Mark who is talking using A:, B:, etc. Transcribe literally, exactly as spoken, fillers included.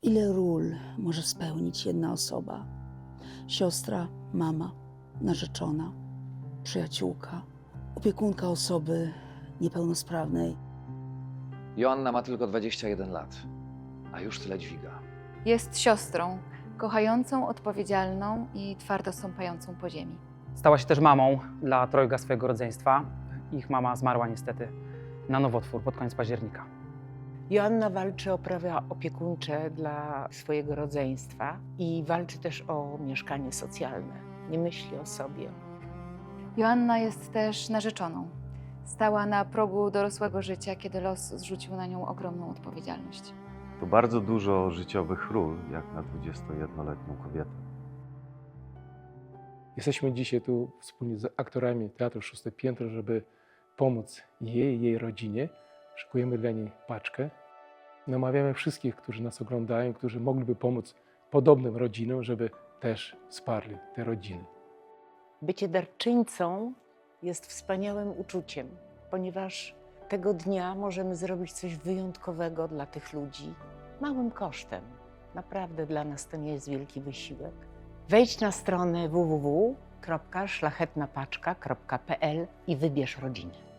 A: Ile ról może spełnić jedna osoba? Siostra, mama, narzeczona, przyjaciółka, opiekunka osoby niepełnosprawnej.
B: Joanna ma tylko dwadzieścia jeden lat, a już tyle dźwiga.
C: Jest siostrą, kochającą, odpowiedzialną i twardo stąpającą po ziemi.
D: Stała się też mamą dla trojga swojego rodzeństwa. Ich mama zmarła niestety na nowotwór pod koniec października.
E: Joanna walczy o prawa opiekuńcze dla swojego rodzeństwa i walczy też o mieszkanie socjalne. Nie myśli o sobie.
C: Joanna jest też narzeczoną. Stała na progu dorosłego życia, kiedy los zrzucił na nią ogromną odpowiedzialność.
F: To bardzo dużo życiowych ról, jak na dwudziestojednoletnią kobietę.
G: Jesteśmy dzisiaj tu wspólnie z aktorami Teatru Szóste Piętro, żeby pomóc jej, jej rodzinie. Szykujemy dla niej paczkę. Namawiamy wszystkich, którzy nas oglądają, którzy mogliby pomóc podobnym rodzinom, żeby też wsparli te rodziny.
E: Bycie darczyńcą jest wspaniałym uczuciem, ponieważ tego dnia możemy zrobić coś wyjątkowego dla tych ludzi małym kosztem. Naprawdę dla nas to nie jest wielki wysiłek. Wejdź na stronę w w w kropka szlachetnapaczka kropka p l i wybierz rodzinę.